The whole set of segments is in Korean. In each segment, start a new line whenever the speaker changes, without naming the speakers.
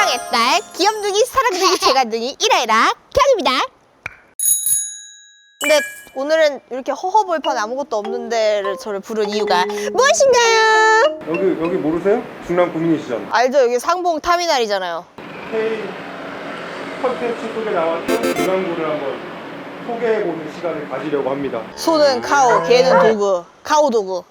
희망의 딸 귀염둥이 사랑둥이 재간둥이 이라이라 경입니다. 근데 오늘은 이렇게 허허벌판 아무것도 없는 데를 저를 부른 이유가 무엇인가요?
여기 모르세요? 중남 구민이시잖아요.
알죠? 여기 상봉 타미널이잖아요.
K 컨텐츠 속에 나왔던 중남구를 한번 소개해보는 시간을 가지려고 합니다.
소는 카오, 개는 도구, 카오 도구.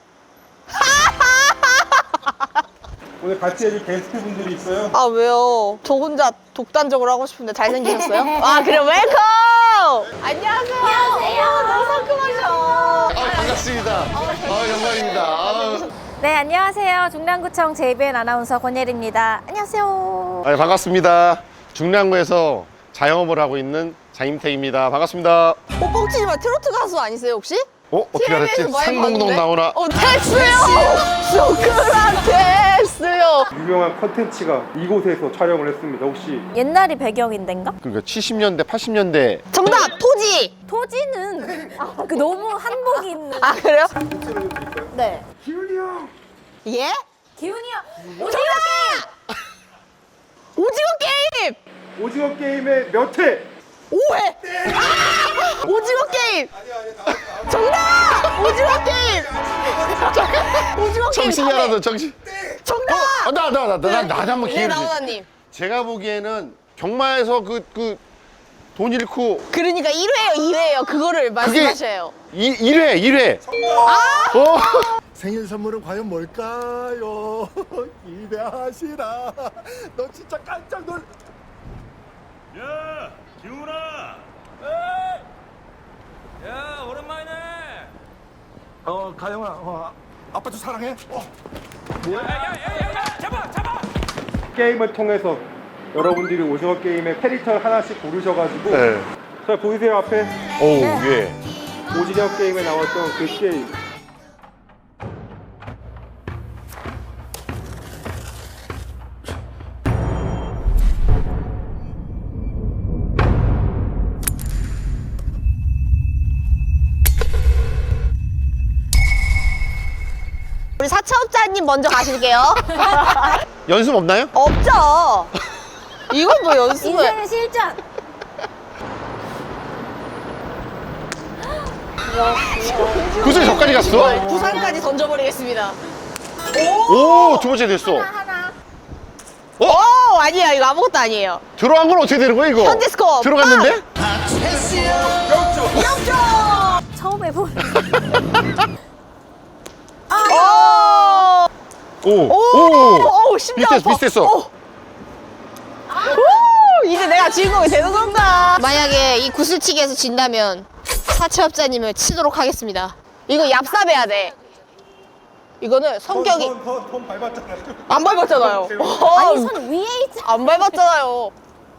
오늘 같이 해줄 게스트분들이 있어요.
아 왜요? 저 혼자 독단적으로 하고 싶은데 잘생기셨어요? 아 그래 웰컴! 안녕하세요. 안녕하세요. 너무 상큼하셔.
반갑습니다. 영광입니다.
네, 안녕하세요. 중랑구청 JBN 아나운서 권예리입니다. 안녕하세요.
반갑습니다. 중랑구에서 자영업을 하고 있는 장임택입니다. 반갑습니다.
뻥치지 마. 트로트 가수 아니세요 혹시?
어떻게 알았지?
TV에서 많이
상봉동
봤는데?
나오나?
됐어요. 소크라테스요.
유명한 컨텐츠가 이곳에서 촬영을 했습니다. 혹시
옛날이 배경인데인가?
그러니까 70년대, 80년대.
정답 토지.
토지는 그 너무 한복이 있는.
아 그래요?
네.
기훈이 형!
예?
기훈이요.
오징어 게임. 오징어 게임.
오징어 게임의 몇 회?
5회! 아! 오징어 게임! 정답! 오징어 게임! 오징어 게임
정신이
4회.
하나도 정신.
정답!
나 한번
네,
기회를 주세요.
나훈아님.
제가 보기에는 경마에서 돈 잃고
그러니까 1회예요, 2회예요. 그거를 말씀하셔요.
1회.
생일 선물은 과연 뭘까요? 기대하시라. 너 진짜 깜짝 놀.
야, 기훈아. 야, 오랜만이네.
가영아, 아빠 좀 사랑해.
야, 잡아.
게임을 통해서 여러분들이 오징어 게임의 캐릭터를 하나씩 고르셔가지고
네.
자 보이세요 앞에?
오, 예.
오징어 게임에 나왔던 그 게임.
우리 사채업자님 먼저 가실게요.
연습 없나요?
없죠. 이건 뭐 연습을.
인생의 실전.
구슬 저까지 갔어?
부산까지 던져버리겠습니다.
오, 두 번째 됐어.
하나.
오, 아니에요. 이거 아무것도 아니에요.
들어간 건 어떻게 되는 거야, 이거?
현재 스코어
들어갔는데?
처음 해본.
오,
심장 아파.
비슷했어.
오, 이제 내가 주인공이 되는 건가? 만약에 이 구슬치기에서 진다면 사채업자님을 치도록 하겠습니다. 이거 얍삽해야 돼. 이거는 성격이
돈 밟았잖아요.
안 밟았잖아요.
아니, 손 위에 있잖아.
안 밟았잖아요.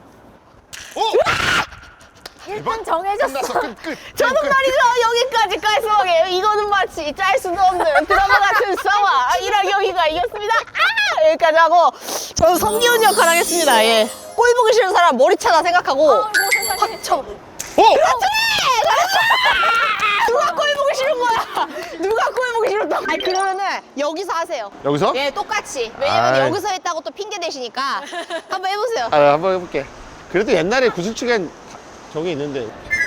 일단 정해졌어.
저는 말이죠 여기까지 깔끔하게 이거는 마치 짤 수도 없는 드라마 같은 상황 이라경이가 이겼습니다. 아! 여기까지 하고 저는 성기훈 역할 하겠습니다. 예. 꼴 보기 싫은 사람 머리차다 생각하고 확 쳐. 그렇지! 잘했어! 누가 꼴 보기 싫은 거야? 누가 꼴 보기 싫었다? 아니 그러면은 여기서 하세요.
여기서?
예, 똑같이. 왜냐면
아이.
여기서 했다고 또 핑계 대시니까 한번 해보세요.
아, 한번 해볼게. 그래도 옛날에 구슬치기엔 저게 있는데.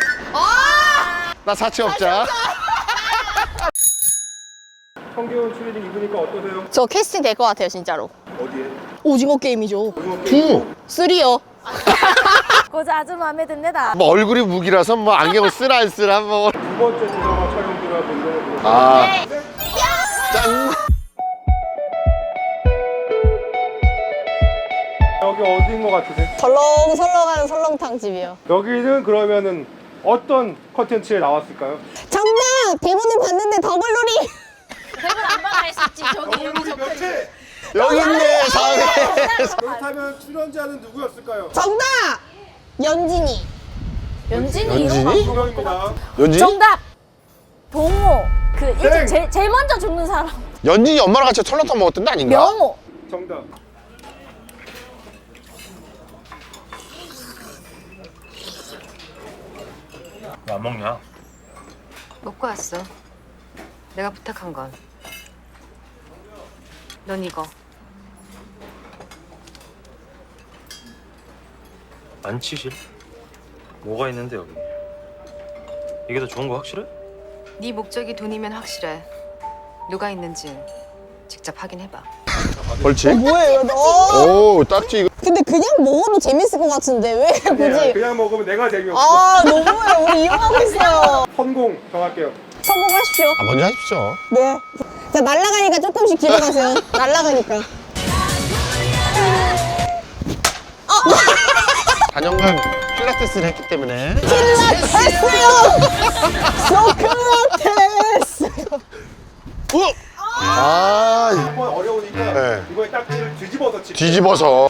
나 사채업자.
성기훈 추리닝 입으니까 어떠세요?
저 캐스팅 될 것 같아요 진짜로.
어디에?
오징어 게임이죠.
두.
3요.
그거 아주 마음에 듭니다.
뭐 얼굴이 무기라서 뭐 안경을 쓰라 안 쓰라 뭐.
두 번째 드라마 촬영 들어왔는데
아. 짠.
여기 어디인 것 같으세요?
설렁설렁하는 설렁탕 집이요.
여기는 그러면은 어떤 컨텐츠에 나왔을까요?
정답! 대본을 봤는데 더글놀이.
여기 있네, 사회.
그렇다면 출연자는 누구였을까요?
정답! 연진이.
연진이 이런 거.
연진이?
두 명입니다.
연진이?
정답. 동호. 그 일찍
땡.
제일 먼저 죽는 사람.
연진이 엄마랑 같이 설렁탕 먹었던 데 아닌가?
명호.
정답.
왜 안 먹냐?
먹고 왔어. 내가 부탁한 건. 넌 이거.
안 치실? 뭐가 있는데 여기? 이게 더 좋은 거 확실해?
네 목적이 돈이면 확실해. 누가 있는지 직접 확인해봐.
벌칙?
뭐예요?
오, 딱지 이거.
근데 그냥 먹어도 재밌을 것 같은데 왜 굳이?
그냥 먹으면 내가 재미없어.
아 너무해. 우리 이용하고 있어요.
성공 정할게요.
성공하십시오.
아, 먼저 하십시오.
네. 자 날아가니까 조금씩 뒤로 가세요. 날아가니까.
4년간 필라테스를 했기 때문에.
필라테스요. 소크라테스.
아,
한번 어려우니까
네.
이번에 딱지를 뒤집어서 치.
뒤집어서.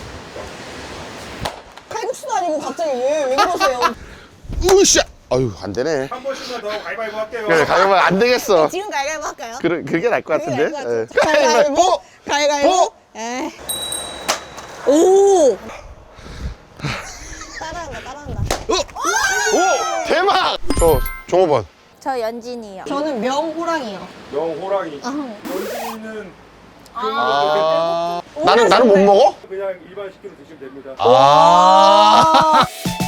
칼국수도 아니고 갑자기 왜 그러세요?
으쌰! 아유, 안 되네.
한 번씩만 더 가위바위보 할게요.
그래, 가위바위보 안 되겠어.
지금 가위바위보 할까요?
그게 나을 것 같은데?
그게 나을 것
예.
같아. 가위바위보. 가위바위보. 에이. 오. 따라한다.
오! 대박! 저, 종호번.
저 연진이요.
저는 명호랑이요.
영호랑이. 연진이는
아, 나는 못 먹어?
그냥 일반 식기로 드시면 됩니다.
아.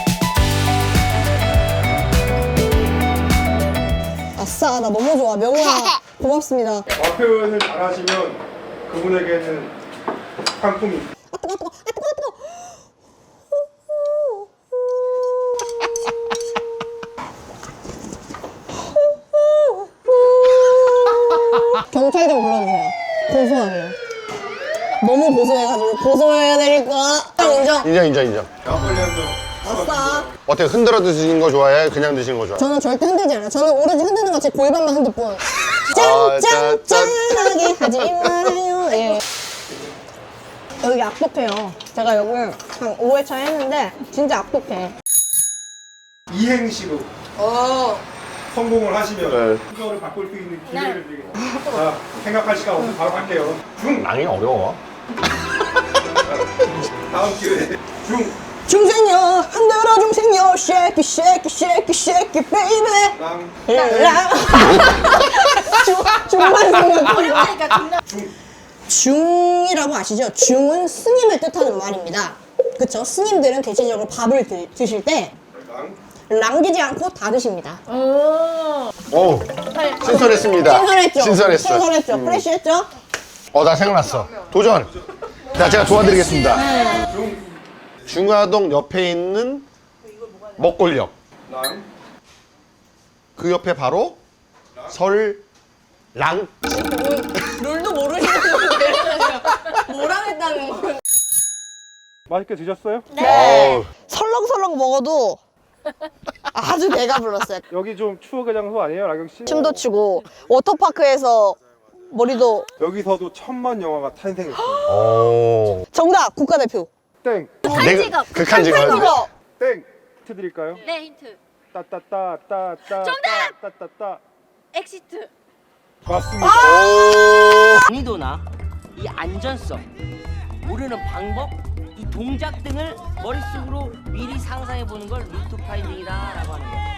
아싸, 나 너무 좋아. 명호야, 고맙습니다.
표현을 잘하시면 그분에게는 상품이.
아, 뜨거. 경찰 좀 불러주세요. 고소하게요. 너무 고소해가지고 고소해드릴까? 인정.
막걸리 한 잔.
아싸.
어떻게 흔들어 드시는 거 좋아해? 그냥 드시는 거 좋아해?
저는 절대 흔들지 않아요. 저는 오로지 흔드는 거 제 골반만 흔들 뿐.
아,
짠짠짠하게 하지 말아요. 예. 여기 악독해요. 제가 여기 한 5회차 했는데 진짜 악독해.
이행시로 성공을 하시면
네.
순서를 바꿀 수 있는 기회를 드리겠습니다. 자, 생각할 시간 없으면 바로 갈게요.
랑이 어려워.
다음 기회에
중생녀 흔들어 중생녀 shake it baby
랑,
랑 중만 생각 중이라고 아시죠? 중은 스님을 뜻하는 말입니다. 그쵸? 스님들은 대체적으로 밥을 드실 때
랑,
남기지 않고 다 드십니다.
오, 신선했습니다. 신선했어.
신선했죠? 프레시했죠?
나 생각났어. 도전. 자, 제가 도와드리겠습니다. 중화동 옆에 있는 먹골역.
랑,
그 옆에 바로 설랑.
룰도 모르시는 건데 뭐라 했다는 건
맛있게 드셨어요?
네.
설렁설렁 먹어도 아주 배가 불렀어요.
여기 좀 추억의 장소 아니에요, 라경 씨?
춤도 추고 워터파크에서 머리도
여기서도 천만 영화가 탄생했어요.
오.
정답 국가대표
땡,
극한 직업.
이거
땡. 힌트 드릴까요?
네, 힌트.
따따따따따.
정답!
따따따.
엑시트.
맞습니다.
난이도나 이 안전성, 모르는 방법, 이 동작 등을 머릿속으로 미리 상상해 보는 걸 루트 파인딩이다라고 하는 거예요.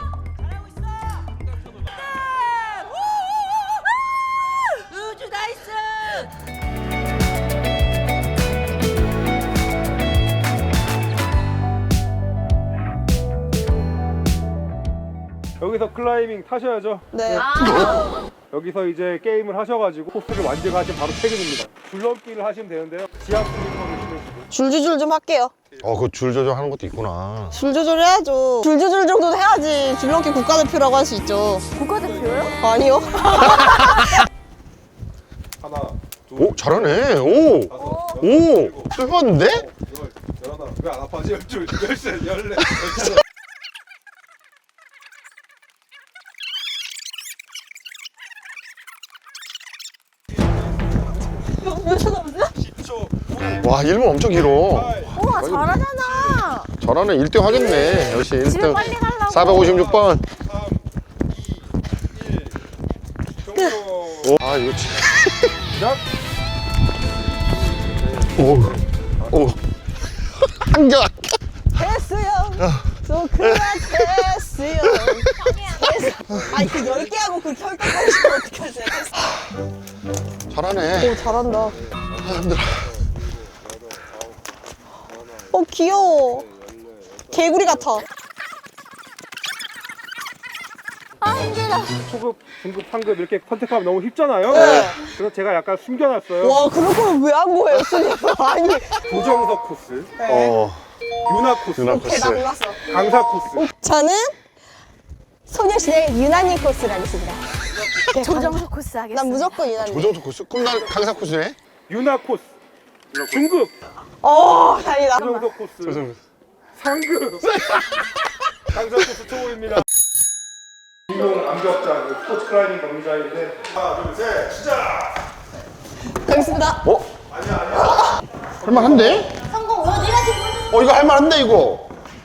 우주 나이스!
여기서 클라이밍 타셔야죠.
네.
여기서 이제 게임을 하셔가지고 코스를 완주하시면 바로 퇴근입니다. 줄넘기를 하시면 되는데요. 지압 슬리퍼를 신으시고.
줄조절 좀 할게요.
그 줄 조절하는 것도 있구나.
줄 조절해야죠. 줄 조절 정도는 해야지 줄넘기 국가대표라고 할 수 있죠.
국가대표요?
아니요.
하나, 둘,
오, 잘하네. 오.
다섯,
오.
일곱,
뜨거운데?
열, 열하나. 왜 안 아파지? 열둘, 열셋, 열넷, 열다섯.
와, 1분 엄청 길어.
우와, 잘하잖아.
잘하네. 1등 하겠네. 역시
집에
1등.
빨리 가려고.
456번.
3, 2, 1. 종료.
아, 이거 진
시작.
오. 한결.
됐어요. 소크라테스요. 아니 그 10개 하고 그렇게 헐떡거리시면 어떡하세요?
잘하네.
오 잘한다.
아, 힘들어.
귀여워. 개구리 같아.
초급, 중급, 상급 이렇게 선택하면 너무 쉽잖아요.
네.
그래서 제가 약간 숨겨놨어요.
와, 그럴 거면 왜 한 거예요, 선생님? 아니.
조정석 코스, 유나 코스,
유나
오케이, 나
코스.
몰랐어.
강사 코스.
저는 소녀시대 유난히 코스를 하겠습니다. 네,
조정석 코스 하겠습니다.
난 무조건 유난히.
조정석 코스? 그럼 난 강사 코스네?
유나 코스, 중급,
다행이다.
조정석 코스,
조정석.
상급, 강사 코스 초보입니다. 주인공 암벽자, 스포츠 클라이밍 경기장인데 하나, 둘, 셋, 시작!
가겠습니다.
할만한데?
성공 어디까지
이거 할만한데 이거?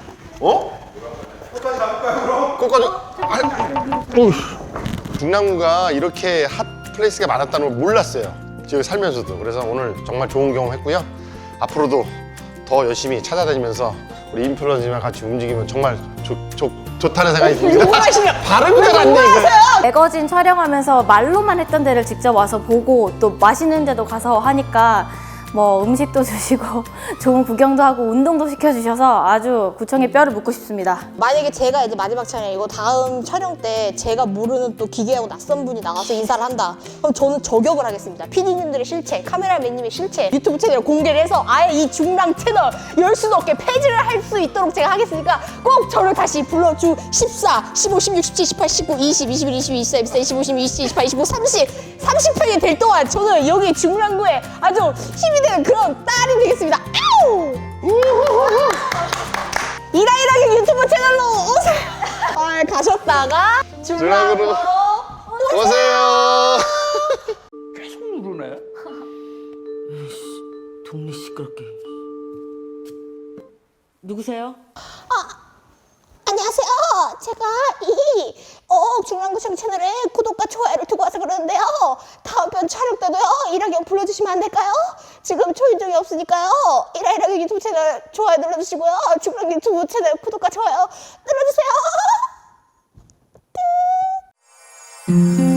끝까지 가볼까요, 그럼?
끝까지. 중랑구가 이렇게 핫 플레이스가 많았다는 걸 몰랐어요. 지금 살면서도. 그래서 오늘 정말 좋은 경험 했고요. 앞으로도 더 열심히 찾아다니면서 우리 인플루언서랑 같이 움직이면 정말 좋다는 생각이 듭니다. 발음이 잘 안 돼, 이거.
매거진 촬영하면서 말로만 했던 데를 직접 와서 보고 또 맛있는 데도 가서 하니까 뭐 음식도 주시고 좋은 구경도 하고 운동도 시켜주셔서 아주 구청의 뼈를 묻고 싶습니다.
만약에 제가 이제 마지막 촬영이고 다음 촬영 때 제가 모르는 또 기괴하고 낯선 분이 나가서 인사를 한다. 그럼 저는 저격을 하겠습니다. PD님들의 실체, 카메라맨님의 실체, 유튜브 채널 공개를 해서 아예 이 중랑 채널 열 수도 없게 폐지를 할 수 있도록 제가 하겠으니까 꼭 저를 다시 불러주 14, 15, 16, 17, 18, 19, 20, 21, 22, 24, 24, 25, 26, 27, 28, 29, 30, 30편이 될 동안 저는 여기 중랑구에 아주 힘이 되는 그런 딸이 되겠습니다. 아우! 이라이라기 유튜브 채널로 오세요. 가셨다가 중랑구로
오세요.
계속 누르네. 동네 시끄럽게. 누구세요?
안녕하세요. 제가 이 중랑구청 채널에 구독과 좋아요를 두고 와서 그러는데요. 다음 편 촬영 때도요. 이라경 불러주시면 안 될까요? 지금 초인종이 없으니까요. 이라경 유튜브 채널 좋아요 눌러주시고요. 중랑 유튜브 채널 구독과 좋아요 눌러주세요.